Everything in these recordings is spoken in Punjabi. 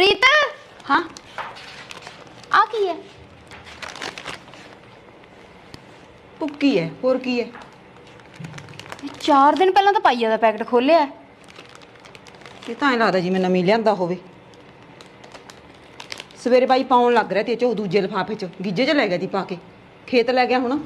ਪ੍ਰੀਤ हाँ ਆ ਕੀ ਹੈ? पुक्की है और की है 4 ਦਿਨ ਪਹਿਲਾਂ ਤਾਂ ਪਾਈਆ ਦਾ ਪੈਕਟ ਖੋਲਿਆ। ਇਹ ਤਾਂ ਐਂ ਲੱਗਦਾ ਜਿਵੇਂ ਨਵੀਂ ਲਿਆਂਦਾ ਹੋਵੇ। ਸਵੇਰੇ ਬਾਈ ਪਾਉਣ ਲੱਗ ਰਿਹਾ ਤੇ ਚ ਉਹ ਦੂਜੇ ਲਿਫਾਫੇ ਚ ਗਿੱਜੇ ਚ ਲੈ ਗਿਆ ਦੀ ਪਾ ਕੇ ਖੇਤ ਲੈ ਗਿਆ ਹੁਣ।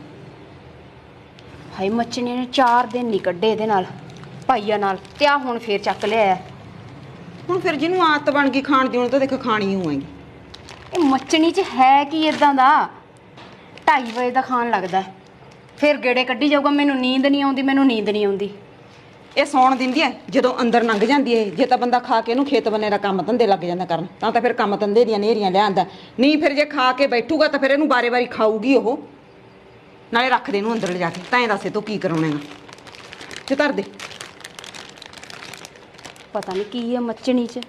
ਹਾਈ ਮੱਛਣੀ ਨੇ 4 ਦਿਨ ਨਹੀਂ ਕੱਢੇ ਇਹਦੇ ਨਾਲ ਪਾਈਆ ਨਾਲ ਤੇ ਆ ਹੁਣ ਫੇਰ ਚੱਕ ਲਿਆ। ਹੁਣ ਫਿਰ ਜਿਹਨੂੰ ਆਦਤ ਬਣ ਗਈ ਖਾਣ ਦੀ ਉਹਨੂੰ ਤਾਂ ਦੇਖ ਖਾਣੀ ਹੋਏਗੀ। ਇਹ ਮੱਛਣੀ 'ਚ ਹੈ ਕੀ ਇਦਾਂ ਦਾ 2:30 ਵਜੇ ਦਾ ਖਾਣ ਲੱਗਦਾ ਫਿਰ ਗੇੜੇ ਕੱਢੀ ਜਾਊਗਾ। ਮੈਨੂੰ ਨੀਂਦ ਨਹੀਂ ਆਉਂਦੀ, ਮੈਨੂੰ ਨੀਂਦ ਨਹੀਂ ਆਉਂਦੀ। ਇਹ ਸੌਣ ਦਿੰਦੀ ਹੈ ਜਦੋਂ ਅੰਦਰ ਲੰਘ ਜਾਂਦੀ ਹੈ। ਜੇ ਤਾਂ ਬੰਦਾ ਖਾ ਕੇ ਇਹਨੂੰ ਖੇਤ ਬੰਨੇ ਦਾ ਕੰਮ ਧੰਦੇ ਲੱਗ ਜਾਂਦਾ ਕਰਨ ਤਾਂ ਫਿਰ ਕੰਮ ਧੰਦੇ ਦੀਆਂ ਨੇਰੀਆਂ ਲਿਆਂਦਾ। ਨਹੀਂ ਫਿਰ ਜੇ ਖਾ ਕੇ ਬੈਠੂਗਾ ਤਾਂ ਫਿਰ ਇਹਨੂੰ ਬਾਰੇ-ਬਾਰੀ ਖਾਊਗੀ ਉਹ। ਨਾਲੇ ਰੱਖ ਦੇ ਇਹਨੂੰ ਅੰਦਰ ਲਿਜਾ ਕੇ ਤਾਂ ਇਹ ਦੱਸੇ ਤੂੰ ਕੀ ਕਰਾਉਣੇਗਾ ਤੇ ਧਰ ਦੇ। ਪਤਾ ਨਹੀਂ ਕੀ ਹੈ ਮੱਛਣੀ 'ਚ।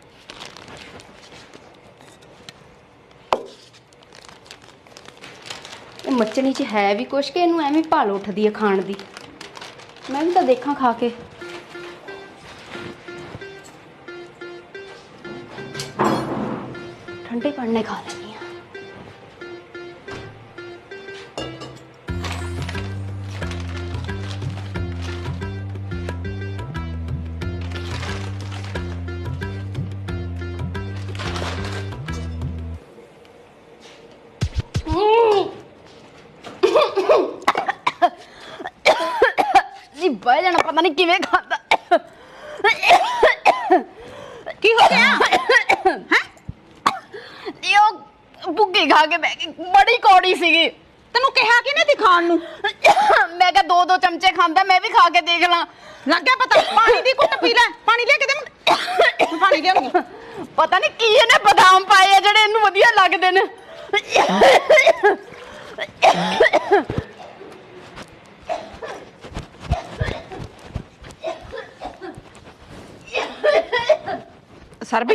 ਇਹ ਮੱਛਣੀ 'ਚ ਹੈ ਵੀ ਕੁਛ ਕਿ ਇਹਨੂੰ ਐਵੇਂ ਭਾਲ ਉੱਠਦੀ ਹੈ ਖਾਣ ਦੀ। ਮੈਂ ਵੀ ਤਾਂ ਦੇਖਾਂ ਖਾ ਕੇ। ਠੰਡੇ ਪੜਨੇ ਖਾ ਲੈਣੀ ਆ। ਬਹਿ ਜਾਣਾ ਪਤਾ ਨਹੀਂ ਕਿਵੇਂ ਖਾਂਦਾ। ਕੀ ਹੋ ਗਿਆ ਹੈ? ਉਹ ਭੁੱਕੀ ਖਾ ਕੇ ਬਹਿ ਗਈ। ਬੜੀ ਕੌੜੀ ਸੀਗੀ। ਤੈਨੂੰ ਕਿਹਾ ਕਿਹਨੇ ਤੀ ਖਾਣ ਨੂੰ? ਮੈਂ ਕਿਹਾ 2-2 ਚਮਚੇ ਖਾਂਦਾ ਮੈਂ ਵੀ ਖਾ ਕੇ ਦੇਖ ਲਾਂ। ਲੱਗ ਗਿਆ ਪਤਾ। ਪਾਣੀ ਦੀ ਘੁੱਟ ਪੀ ਲੈ। ਪਾਣੀ ਲਿਆ ਕੇ ਦੇ। ਪਾਣੀ ਲਿਆਉਂਗੀ। ਪਤਾ ਨਹੀਂ ਕੀ ਇਹਨੇ ਬਦਾਮ ਪਾਏ ਆ ਜਿਹੜੇ ਇਹਨੂੰ ਵਧੀਆ ਲੱਗਦੇ ਨੇ। ਸਰਬੀ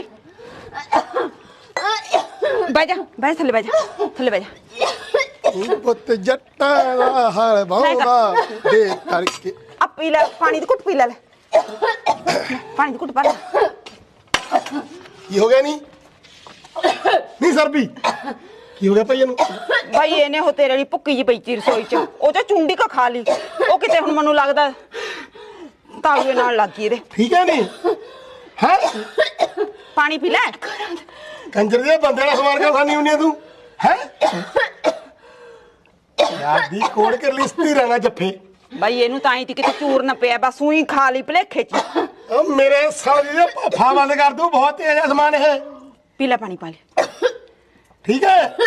ਬਹਿ ਜਾ, ਬਹਿ ਥੱਲੇ ਬਹਿ ਜਾ, ਥੱਲੇ ਬਹਿ ਜਾ। ਪੁੱਤ ਜੱਟਾਂ ਦਾ ਹਾਲ ਬਹੁਦਾ ਦੇ ਕਰਕੇ ਆ ਪੀ ਲੈ ਪਾਣੀ ਦੀ ਘੁੱਟ ਪੀ ਲੈ। ਪਾਣੀ ਦੀ ਘੁੱਟ ਪਾ ਲੈ। ਕੀ ਹੋ ਗਿਆ ਨਹੀਂ ਸਰਬੀ ਕੀ ਹੋ ਗਿਆ ਭਾਈ ਇਹਨੂੰ? ਭਾਈ ਇਹਨੇ ਉਹ ਤੇਰੇ ਲਈ ਭੁੱਕੀ ਜੀ ਪਈ ਤੀ ਰਸੋਈ ਚ ਉਹ ਤੇ ਚੁੰਡੀ ਕਾ ਖਾ ਲਈ। ਉਹ ਕਿਤੇ ਹੁਣ ਮੈਨੂੰ ਲੱਗਦਾ ਤਾਲੂਏ ਨਾਲ ਲੱਗ ਗਈ ਇਹਦੇ। ਠੀਕ ਹੈ ਨਹੀਂ ਹੈ? ਪਾਣੀ ਪੀ ਲੈ। ਕੰਜਰ ਦੇ ਬੰਦੇ ਦਾ ਸਮਾਨ ਕਿਉਂ ਖਾਣੀ ਹੁੰਦੀ ਤੂੰ ਹੈ? ਯਾਰ ਦੀ ਕੋੜ ਕਰ ਲਈ ਸਥਿਰ ਰਹਿਣਾ ਜੱਫੇ। ਭਾਈ ਇਹਨੂੰ ਤਾਂ ਹੀ ਤੀ ਕਿਤੇ ਚੂਰ ਨਾ ਪਿਆ ਬਸ ਉਹੀ ਖਾ ਲਈ ਭਲੇਖੇ ਚ। ਉਹ ਮੇਰੇ ਸਾਲੇ ਦੇ ਭਾਫਾ ਬੰਦ ਕਰ ਦੂੰ। ਬਹੁਤ ਤੇਜ਼ ਹੈ ਸਮਾਨ ਇਹ। ਪੀ ਲੈ ਪਾਣੀ ਪਾ ਲੈ। ਠੀਕ ਹੈ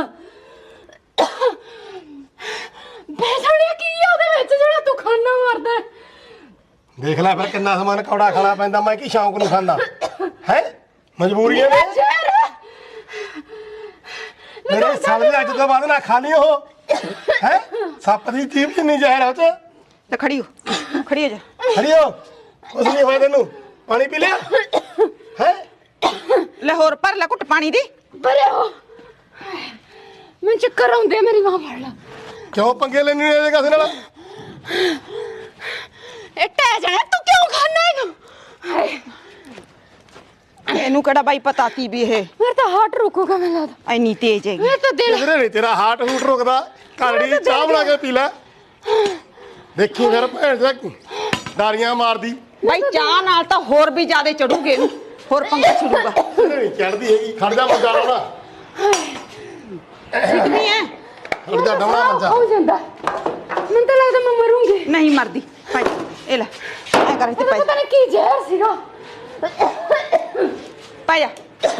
ਬੇਸਣਿਆ ਕੀ ਆ ਉਹਦੇ ਵਿੱਚ ਜਿਹੜਾ ਤੂੰ ਖਾਣਾ ਮਾਰਦਾ? ਦੇਖ ਲੈ ਫਿਰ ਕਿੰਨਾ ਸਮਾਨ ਕੌੜਾ ਖਾਣਾ ਪੈਂਦਾ। ਮੈਂ ਕੀ ਸ਼ੌਂਕ ਨੂੰ ਖਾਂਦਾ ਹੈ? ਮਜਬੂਰੀਆਂ ਨੇ। ਮੇਰੇ ਸਾਲੇ ਦੇ ਅੱਜ ਤੋਂ ਬਾਅਦ ਨਾ ਖਾ ਲਈ ਉਹ ਹੈ। ਸੱਪ ਦੀ ਜੀਭ ਜਿੰਨੀ ਜ਼ਹਿਰ ਆ ਉਹ ਚ। ਤੇ ਖੜੀ ਹੋ, ਖੜੀ ਹੋ ਜਾ। ਖੜੀ ਹੋ। ਕੁਛ ਨਹੀਂ ਹੋਇਆ ਤੈਨੂੰ। ਪਾਣੀ ਪੀ ਲਿਆ ਹੈ? ਲੈ ਹੋਰ ਭਰ ਲੈ ਘੁੱਟ ਪਾਣੀ ਦੀ। ਬਰੇ ਹੋ ਮੈਂ ਚੱਕਰ ਆਉਂਦੇ ਮੇਰੀ ਮਾਂ ਫੜ ਲਾ। ਕਿਉਂ ਪੰਗੇ ਲੈਣੀ ਨੇ ਕਿਸੇ ਨਾਲ? ਇਹ ਟਹਿ ਜਾਣਾ ਤੂੰ ਕਿਉਂ ਖਾਣਾ ਇਹਨੂੰ? ਹਾਏ ਇਹਨੂੰ ਕਿਹੜਾ ਬਾਈ ਪਤਾ ਕੀ ਵੀ ਇਹ ਮੇਰਾ ਤਾਂ ਹਾਰਟ ਰੁਕੂਗਾ ਮੈਨੂੰ ਲੱਗਦਾ। ਇੰਨੀ ਤੇਜ਼ ਹੈਗੀ। ਮੇਰਾ ਤਾਂ ਦਿਲ ਕਿਧਰੇ ਨਹੀਂ ਤੇਰਾ ਹਾਰਟ ਹੂਟ ਰੁਕਦਾ। ਕਾੜੀ ਚਾਹ ਬਣਾ ਕੇ ਪੀ ਲੈ। ਦੇਖੀ ਫਿਰ ਭੈਣ ਦਾ ਡਾਰੀਆਂ ਮਾਰਦੀ। ਬਾਈ ਚਾਹ ਨਾਲ ਤਾਂ ਹੋਰ ਵੀ ਜ਼ਿਆਦਾ ਚੜੂਗੇ ਇਹਨੂੰ। ਹੋਰ ਪੰਗਾ ਛਿੜੂਗਾ। ਨਹੀਂ ਚੜਦੀ ਹੈਗੀ। ਖੜ ਜਾ ਮੰਜਾ ਲਾਉਣਾ। ਸਿੱਧੀ ਐ। ਖੜ ਜਾ ਡਾਉਣਾ ਮੰਜਾ। ਹੋ ਜਾਂਦਾ ਮੈਨੂੰ ਤਾਂ ਲੱਗਦਾ ਮੈਂ ਮਰੂੰਗੀ। ਨਹੀਂ ਮਰਦੀ ਭਾਈ ਇਹ ਲੈ ਐ ਕਰ ਇੱਥੇ ਪਤਾ ਨਹੀਂ ਕੀ ਜ਼ਹਿਰ ਸੀਗਾ। ਪਾ ਜਾ।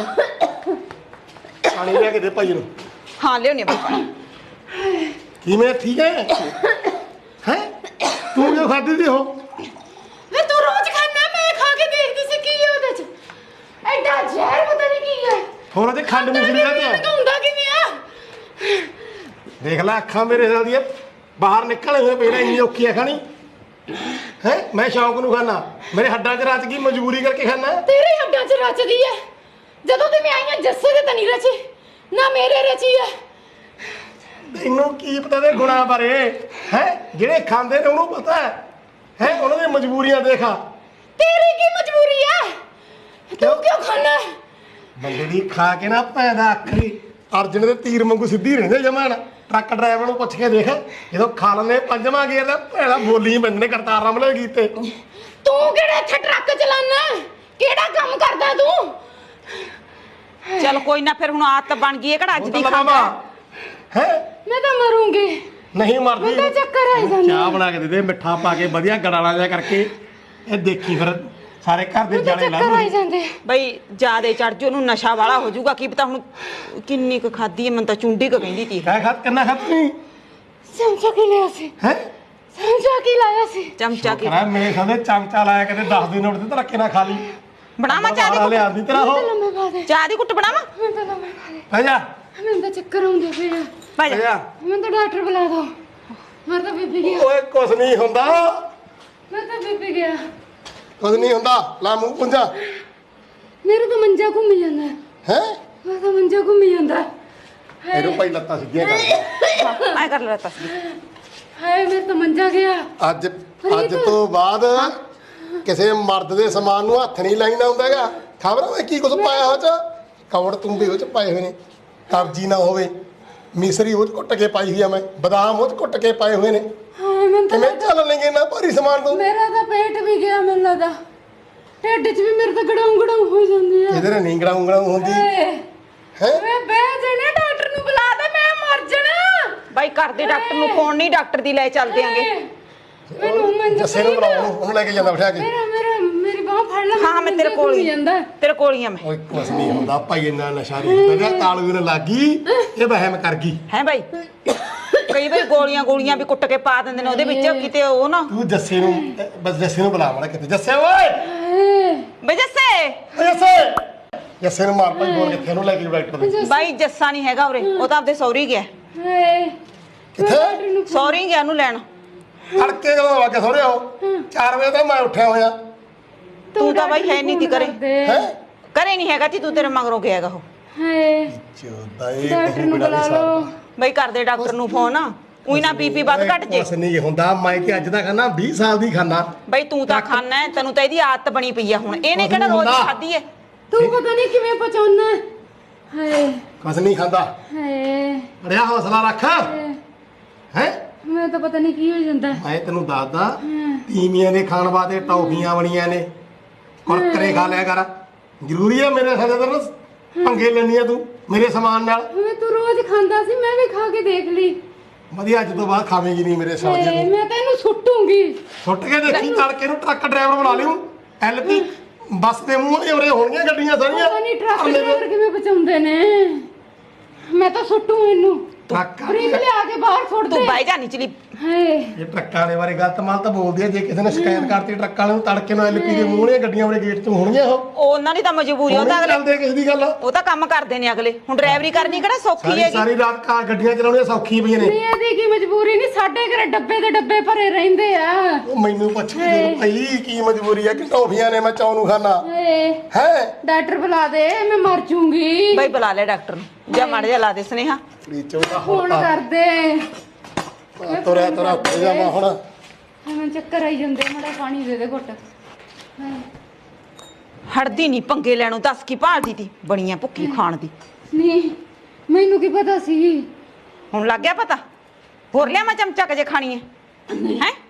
ਪਾਣੀ ਲੈ ਕੇ ਦੇ ਭਾਈ ਨੂੰ। ਹਾਂ ਲਿਆਉਣੀ ਆ ਬਾਈ ਪਾਣੀ। ਕਿਵੇਂ ਠੀਕ ਹੈ ਹੈ? ਤੂੰ ਕਿਉਂ ਖਾਦੀ ਦੀ ਹੋ? ਵੇ ਤੂੰ ਰੋਜ਼ ਖਾਣਾ ਮੈਂ ਖਾ ਕੇ ਦੇਖਦੀ ਸੀ ਕੀ ਹੈ ਉਹਦੇ ਚ। ਐਡਾ ਜ਼ਹਿਰ ਪਤਾ ਨਹੀਂ ਕੀ ਹੈ। ਹੁਣ ਉਹਦੇ ਖੰਡ ਮਿਸਰੀ ਦਾ ਤੇ ਹੁੰਦਾ ਕਿਵੇਂ ਆ? ਦੇਖ ਲੈ ਅੱਖਾਂ ਮੇਰੇ ਨਾਲ ਦੀਆਂ ਬਾਹਰ ਨਿਕਲੇ ਹੋਏ ਪਹਿਲਾਂ ਇੰਨੀ ਔਖੀ ਆ ਖਾਣੀ ਹੈ। ਮੈਂ ਸ਼ੌਂਕ ਨੂੰ ਖਾਣਾ। ਮੇਰੇ ਹੱਡਾਂ 'ਚ ਰਚ ਗਈ ਮਜਬੂਰੀ ਕਰਕੇ ਖਾਣਾ। ਤੇਰੇ ਹੱਡਾਂ 'ਚ ਰਚਦੀ ਹੈ। ਜਦੋਂ ਤੇ ਮੈਂ ਆਈਆਂ ਜੱਸੇ ਦੇ ਤਾਂ ਨਹੀਂ ਰਚੀ ਨਾ ਮੇਰੇ ਰਚੀ ਹੈ। ਤੈਨੂੰ ਕੀ ਪਤਾ ਦੇ ਗੁਣਾਂ ਬਾਰੇ ਹੈ? ਜਿਹੜੇ ਖਾਂਦੇ ਨੇ ਉਹਨੂੰ ਪਤਾ ਹੈ ਉਹਨਾਂ ਦੀਆਂ ਮਜਬੂਰੀਆਂ ਦੇਖਾ। तेरी की मजबूरी है? तू क्यों खाना है? ਬੰਦੇ ਦੀ ਖਾ ਕੇ ਨਾ ਭੈਦਾ ਅੱਖਰੀ ਅਰਜਨ ਦੇ ਤੀਰ ਵਾਂਗੂ ਸਿੱਧੀ ਰਹਿੰਦੇ ਜਮਾਨ ਟਰੱਕ ਡਰਾਈਵਰ ਨੂੰ ਪੁੱਛ ਕੇ ਦੇਖ ਜਦੋਂ ਖਾ ਲੈਂਦੇ ਪੰਜਵਾਂ ਗੇਰ ਦਾ ਭੈੜਾ ਬੋਲੀ ਬੰਦੇ ਕਰਤਾਰ ਰਾਮਲੇ ਕੀਤੇ ਤੂੰ ਕਿਹੜਾ ਇੱਥੇ ਟਰੱਕ ਚਲਾਨਾ ਕਿਹੜਾ ਕੰਮ ਕਰਦਾ ਤੂੰ ਚੱਲ ਕੋਈ ਨਾ ਫਿਰ ਹੁਣ ਆਦਤ ਬਣ ਗਈ ਹੈ ਕਿਹੜਾ ਅੱਜ ਦੀ ਖਾਂਦਾ ਹੈ ਮੈਂ ਤਾਂ ਮਰੂੰਗੀ ਨਹੀਂ ਮਰਦੀ ਮੈਨੂੰ ਤਾਂ ਚੱਕਰ ਆਈ ਜਾਂਦੇ ਚਾਹ ਬਣਾ ਕੇ ਦੇ ਦੇ ਮਿੱਠਾ ਪਾ ਕੇ ਵਧੀਆ ਗੜਾਲਾ ਜਿਹਾ ਕਰਕੇ ਇਹ ਦੇਖੀ ਫਿਰ ਸਾਰੇ ਘਰ ਦੇ ਜਾਣੇ ਲਾ ਚੱਕਰ ਆਈ ਜਾਂਦੇ ਬਈ ਜਿਆਦੇ ਚੜ ਜੂ ਉਹਨੂੰ ਨਸ਼ਾ ਵਾਲਾ ਹੋ ਜਾਊਗਾ ਕੀ ਪਤਾ ਹੁਣ ਕਿੰਨੀ ਕੁ ਖਾਦੀ ਹੈ ਮੈਨੂੰ ਤਾਂ ਚੁੰਡੀ ਕੁ ਕਹਿੰਦੀ ਤੀ ਕਹਿ ਖਾਤ ਕਿੰਨਾ ਖਾਤੀ ਚਮਚਾ ਕੀ ਲਿਆ ਸੀ ਹੈ ਚਮਚਾ ਕੀ ਲਾਇਆ ਸੀ ਚਮਚਾ ਕੀ ਕਰਾ ਮੇਰੇ ਸਾਹਮਣੇ ਚਮਚਾ ਲਾਇਆ ਕਦੇ 10 ਦਿਨ ਉੱਠਦੇ ਤਾਂ ਰੱਖੇ ਨਾ ਖਾ ਲਈ ਬਣਾਵਾ ਚਾਹ ਦੀ ਵਾਲੇ ਆਂਦੀ ਤੇਰਾ ਹੋ ਲੰਮੇ ਪਾ ਦੇ ਚਾਹ ਦੀ ਕੁੱਟ ਬਣਾਵਾ ਮੈਂ ਤਾਂ ਲੰਮੇ ਪਾ ਦੇ ਪੈ ਜਾ ਮੈਨੂੰ ਤਾਂ ਚੱਕਰ ਆਉਂਦੇ ਪਏ ਆ ਭਾਈ ਪੈ ਜਾ ਮੈਨੂੰ ਤਾਂ ਡਾਕਟਰ ਬੁਲਾ ਦੋ ਮੈਂ ਤਾਂ ਬੀਬੀ ਗਿਆ ਓਏ ਕੁਛ ਨਹੀਂ ਹੁੰਦਾ ਮੈਂ ਤਾਂ ਬੀਬੀ ਗਿਆ ਕੁਛ ਨਹੀਂ ਹੁੰਦਾ ਲਾ ਮੂੰਹ ਪੁੰਜਾ ਮੇਰੇ ਤਾਂ ਮੰਜਾ ਘੁੰਮ ਜਾਂਦਾ ਹੈ ਮੈਂ ਤਾਂ ਮੰਜਾ ਘੁੰਮ ਜਾਂਦਾ ਇਹਨੂੰ ਭਾਈ ਲੱਤਾਂ ਸਿੱਧੀਆਂ ਕਰ ਮੈਂ ਕਰ ਲੈਤਾ ਸੀ ਹਾਏ ਮੇਰੇ ਤਾਂ ਮੰਜਾ ਗਿਆ ਅੱਜ ਤੋਂ ਬਾਅਦ ਕਿਸੇ ਮਰਦ ਦੇ ਸਮਾਨ ਨੂੰ ਹੱਥ ਨਹੀਂ ਲਾਈਦਾ ਹੁੰਦਾਗਾ ਖਬਰ ਮੈਂ ਕੀ ਕੁਝ ਪਾਇਆ ਹੋ ਚ ਕਵੜ ਤੁੰਬੇ ਉਹ ਚ ਪਾਏ ਹੋਏ ਨੇ ਕਬਜੀ ਨਾ ਹੋਵੇ ਮਿਸਰੀ ਉਹ 'ਚ ਕੁੱਟ ਕੇ ਪਾਈ ਹੋਈ ਆ ਮੈਂ ਬਦਾਮ ਉਹ 'ਚ ਕੁੱਟ ਕੇ ਪਾਏ ਹੋਏ ਨੇ ਹਾਏ ਮੈਨੂੰ ਤਾਂ ਕਿਵੇਂ ਚੱਲ ਲੈਂਗੇ ਨਾ ਭਾਰੀ ਸਮਾਨ ਤੋਂ ਮੇਰਾ ਤਾਂ ਪੇਟ ਵੀ ਗਿਆ ਮੈਨੂੰ ਲੱਗਦਾ ਢਿੱਡ 'ਚ ਵੀ ਮੇਰੇ ਤਾਂ ਗੜਾਉਂ ਗੜਾਉਂ ਹੋ ਜਾਂਦੀ ਆ ਇਹਦੇ ਨੀਂਗੜਾ ਉਂਗੜਾ ਹੁੰਦੀ ਹੈ ਮੈਂ ਬਹਿ ਜਾਣਾ ਡਾਕਟਰ ਨੂੰ ਬੁਲਾ ਦੇ ਮੈਂ ਮਰ ਜਾਣਾ ਬਾਈ ਕਰਦੇ ਡਾਕਟਰ ਨੂੰ ਫੋਨ ਨਹੀਂ ਡਾਕਟਰ ਦੀ ਲੈ ਚੱਲਦੇ ਆਂਗੇ ਮੈਨੂੰ ਮੰਜਾ ਜੱਸੇ ਨੂੰ ਬੁਲਾਓ ਉਹਨੂੰ ਲੈ ਕੇ ਜਾਂਦਾ ਬਿਠਾ ਕੇ ਮੇਰੀ ਬਾਹ ਫੜ ਲੈ ਹਾਂ ਮੈਂ ਤੇਰੇ ਕੋਲ ਹੀ ਜਾਂਦਾ ਤੇਰੇ ਕੋਲ ਹੀ ਆ ਮੈਂ ਓਏ ਕੁਛ ਨਹੀਂ ਹੁੰਦਾ ਭਾਈ ਇੰਨਾ ਨਸ਼ਾ ਨਹੀਂ ਹੁੰਦਾ ਤਾਲੂ ਨੇ ਲੱਗੀ ਇਹ ਵਹਿਮ ਕਰ ਗਈ ਹੈ ਬਾਈ ਕਈ ਵਾਰੀ ਗੋਲੀਆਂ ਵੀ ਕੁੱਟ ਕੇ ਪਾ ਦਿੰਦੇ ਨੇ ਉਹਦੇ ਵਿੱਚ ਕਿਤੇ ਉਹ ਨਾ ਤੂੰ ਜੱਸੇ ਨੂੰ ਬਸ ਜੱਸੇ ਨੂੰ ਬੁਲਾ ਮਾੜਾ ਕਿਤੇ ਜੱਸੇ ਓਏ ਬਈ ਜੱਸੇ ਓਏ ਜੱਸੇ ਜੱਸੇ ਨੂੰ ਮਾਰ ਭਾਈ ਬੋਲ ਕਿੱਥੇ ਨੂੰ ਲੈ ਕੇ ਡਾਕਟਰ ਦੇ ਬਾਈ ਜੱਸਾ ਨਹੀਂ ਹੈਗਾ ਉਰੇ ਉਹ ਤਾਂ ਆਪਦੇ ਸੌਰੀ ਗਿਆ ਕਿੱਥੇ ਸੌਰੀ ਗਿਆ ਉਹਨੂੰ ਲੈਣ ਤੜਕੇ ਜਦੋਂ ਆ ਕੇ ਸੋਰੇ ਹੋ 4 ਵਜੇ ਤਾਂ ਮੈਂ ਉੱਠਿਆ ਹੋਇਆ ਤੂੰ ਤਾਂ ਬਾਈ ਹੈ ਨਹੀਂ ਤੀ ਕਰੇ ਹੈ ਕਰੇ ਨਹੀਂ ਹੈਗਾ ਤੀ ਤੂੰ ਤੇਰੇ ਮਗਰੋਂ ਗਿਆਗਾ ਉਹ ਹਾਏ ਚੋਦਾ ਇਹ ਡਾਕਟਰ ਨੂੰ ਬੁਲਾ ਲਓ ਬਈ ਕਰਦੇ ਡਾਕਟਰ ਨੂੰ ਫੋਨ ਉਹੀ ਨਾ ਬੀਪੀ ਵੱਧ ਘਟ ਜੇ ਕੁਛ ਨਹੀਂ ਹੁੰਦਾ ਮੈਂ ਕਿ ਅੱਜ ਦਾ ਖਾਣਾ 20 ਸਾਲ ਦੀ ਖਾਣਾ ਬਈ ਤੂੰ ਤਾਂ ਖਾਣਾ ਹੈ ਤੈਨੂੰ ਤਾਂ ਇਹਦੀ ਆਦਤ ਬਣੀ ਪਈ ਆ ਹੁਣ ਇਹਨੇ ਕਿਹੜਾ ਰੋਜ਼ ਖਾਧੀ ਹੈ ਤੂੰ ਪਤਾ ਨਹੀਂ ਕਿਵੇਂ ਪਚਾਉਣਾ ਹਾਏ ਕੁਛ ਨਹੀਂ ਖਾਂਦਾ ਹਾਏ ਅੜਿਆ ਹੌਸਲਾ ਰੱਖ ਹੈ ਮੈਂ ਤਾਂ ਪਤਾ ਨਹੀਂ ਕੀ ਹੋ ਜਾਂਦਾ ਮੈਂ ਤੈਨੂੰ ਦੱਸਦਾ ਤੀਵੀਆਂ ਦੇ ਖਾਣ ਵਾਸਤੇ ਟੌਫੀਆਂ ਬਣੀਆਂ ਨੇ ਕੁਰਕਰੇ ਖਾ ਲਿਆ ਕਰ ਜ਼ਰੂਰੀ ਹੈ ਮੇਰੇ ਸਾਡੇ ਤੇ ਪੰਗੇ ਲੈਣੀ ਆ ਤੂੰ ਮੇਰੇ ਸਮਾਨ ਨਾਲ ਮੈਂ ਤੂੰ ਰੋਜ਼ ਖਾਂਦਾ ਸੀ ਮੈਂ ਵੀ ਖਾ ਕੇ ਦੇਖ ਲਈ ਵਧੀਆ ਅੱਜ ਤੋਂ ਬਾਅਦ ਖਾਵੇਂਗੀ ਨਹੀਂ ਮੇਰੇ ਸਾਲ ਹਾਏ, ਨੂੰ ਮੈਂ ਤੈਨੂੰ ਸੁੱਟੂਗੀ ਸੁੱਟ ਕੇ ਦੇਖੀ ਤੜਕੇ ਨੂੰ ਟਰੱਕ ਡਰਾਈਵਰ ਬਣਾ ਲਿਓ ਐਲਪੀ ਬੱਸ ਦੇ ਮੂੰਹ ਤੇ ਉਰੇ ਹੋਣਗੀਆਂ ਗੱਡੀਆਂ ਸਾਰੀਆਂ ਪਤਾ ਨਹੀਂ ਟਰੱਕ ਡਰਾਈਵਰ ਕਿਵੇਂ ਪਚਾਉਂਦੇ ਨੇ ਮੈਂ ਤਾਂ ਸੁੱਟੂ ਇਹਨੂੰ ਟਰੱਕ ਫਰੀਜ ਲਿਆ ਕੇ ਬਾਹਰ ਸੁੱਟ ਦੇ ਤੂੰ ਬਾਈ ਜਾਨੀ ਚਲੀ ਹਾਏ ਇਹ ਟਰੱਕਾਂ ਵਾਲੇ ਬਾਰੇ ਗਲਤ ਮਾਲ ਤਾਂ ਬੋਲਦੀ ਆ ਜੇ ਕਿਸੇ ਨੇ ਸ਼ਿਕਾਇਤ ਕਰਤੀ ਟਰੱਕ ਵਾਲੇ ਨੂੰ ਤੜਕੇ ਨੂੰ ਐਲਪੀ ਦੇ ਮੂੰਹ ਨੇ ਗੱਡੀਆਂ ਵਾਲੇ ਗੇਟ ਤੋਂ ਹੋਣਗੀਆਂ ਉਹ ਉਹਨਾਂ ਦੀ ਤਾਂ ਮਜਬੂਰੀ ਉਹ ਤਾਂ ਅਗਲੇ ਚੱਲਦੇ ਕਿਸੇ ਦੀ ਗੱਲ ਉਹ ਤਾਂ ਕੰਮ ਕਰਦੇ ਨੇ ਅਗਲੇ ਹੁਣ ਡਰਾਈਵਰੀ ਕਰਨੀ ਕਿਹੜਾ ਸੌਖੀ ਸਾਰੀ ਹੈਗੀ ਸਾਰੀ ਰਾਤ ਕਾ ਗੱਡੀਆਂ ਚਲਾਉਣੀਆਂ ਸੌਖੀ ਪਈਆਂ ਨੇ ਨਹੀਂ ਇਹਦੀ ਕੀ ਮਜਬੂਰੀ ਨਹੀਂ ਸਾਡੇ ਘਰੇ ਡੱਬੇ ਦੇ ਡੱਬੇ ਭਰੇ ਰਹਿੰਦੇ ਆ ਉਹ ਮੈਨੂੰ ਪੁੱਛ ਕੇ ਦੇਖ ਭਾਈ ਕੀ ਮਜਬੂਰੀ ਹੈ ਕਿ ਟੌਫੀਆਂ ਨੇ ਮੈਂ ਚੌ ਨੂੰ ਖਾਣਾ ਹਾਏ ਹੈ ਡਾਕਟਰ ਬੁਲਾ ਦੇ ਮੈਂ ਮਰ ਜੂੰਗੀ ਬਾਈ ਬੁਲਾ ਲੈ ਡਾਕਟਰ ਨੂੰ ਜਾਂ ਮਾੜਾ ਜਿਹਾ ਲਾ ਦੇ ਸਨੇਹਾ ਫਰੀਜ ਚੋਂ ਦਾ ਫੋਨ ਕਰ ਦੇ ਤੁਰਿਆ ਉੱਤੇ ਜਾਵਾਂ ਹੁਣ ਮੈਨੂੰ ਚੱਕਰ ਆਈ ਜਾਂਦੇ ਮਾੜਾ ਪਾਣੀ ਦੇ ਦੇ ਘੁੱਟ ਹਾਏ ਹੜਦੀ ਨਹੀਂ ਪੰਗੇ ਲੈਣੋਂ ਦੱਸ ਕੀ ਭਾਲਦੀ ਤੀ ਬਣੀਆਂ ਭੁੱਖੀ ਖਾਣ ਦੀ ਨਹੀਂ ਮੈਨੂੰ ਕੀ ਪਤਾ ਸੀ ਹੁਣ ਲੱਗ ਗਿਆ ਪਤਾ ਹੋਰ ਲਿਆ ਮੈਂ ਚਮਚਾ ਕੇ ਜੇ ਖਾਣੀ ਹੈ ਹੈ